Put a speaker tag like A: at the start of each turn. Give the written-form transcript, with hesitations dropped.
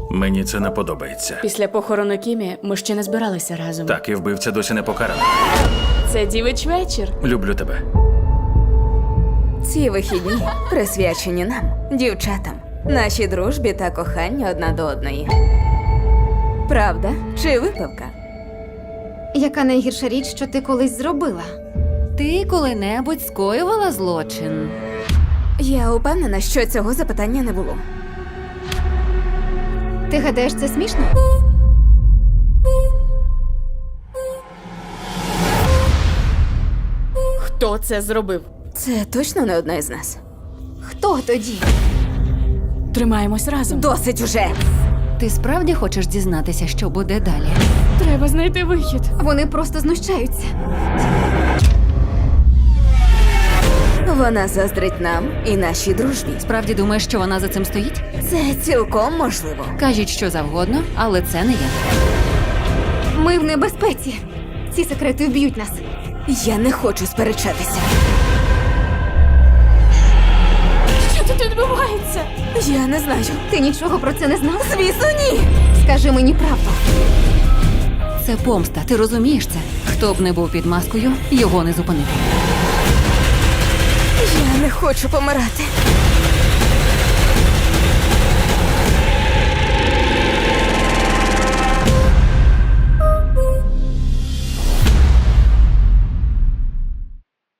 A: Мені це не подобається.
B: Після похорону Кімі ми ще не збиралися разом.
A: Так, і вбивця досі не покараний.
B: Це дівич вечір.
A: Люблю тебе.
C: Ці вихідні присвячені нам, дівчатам, нашій дружбі та коханню одна до одної. Правда чи випивка?
D: Яка найгірша річ, що ти колись зробила?
E: Ти коли-небудь скоювала злочин?
C: Я упевнена, що цього запитання не було.
D: Ти гадаєш, це смішно?
B: Хто це зробив?
C: Це точно не одна із нас.
D: Хто тоді?
B: Тримаємось разом.
C: Досить уже!
E: Ти справді хочеш дізнатися, що буде далі?
B: Треба знайти вихід.
D: Вони просто знущаються.
C: Вона заздрить нам і нашій дружбі.
E: Справді думаєш, що вона за цим стоїть?
C: Це цілком можливо.
E: Кажіть, що завгодно, але це не я.
D: Ми в небезпеці. Ці секрети вб'ють нас.
C: Я не хочу сперечатися.
B: Що тут відбувається?
C: Я не знаю.
D: Ти нічого про це не знав?
C: Звісно, ні!
D: Скажи мені правду.
E: Це помста, ти розумієш це? Хто б не був під маскою, його не зупинити.
C: Я не хочу помирати.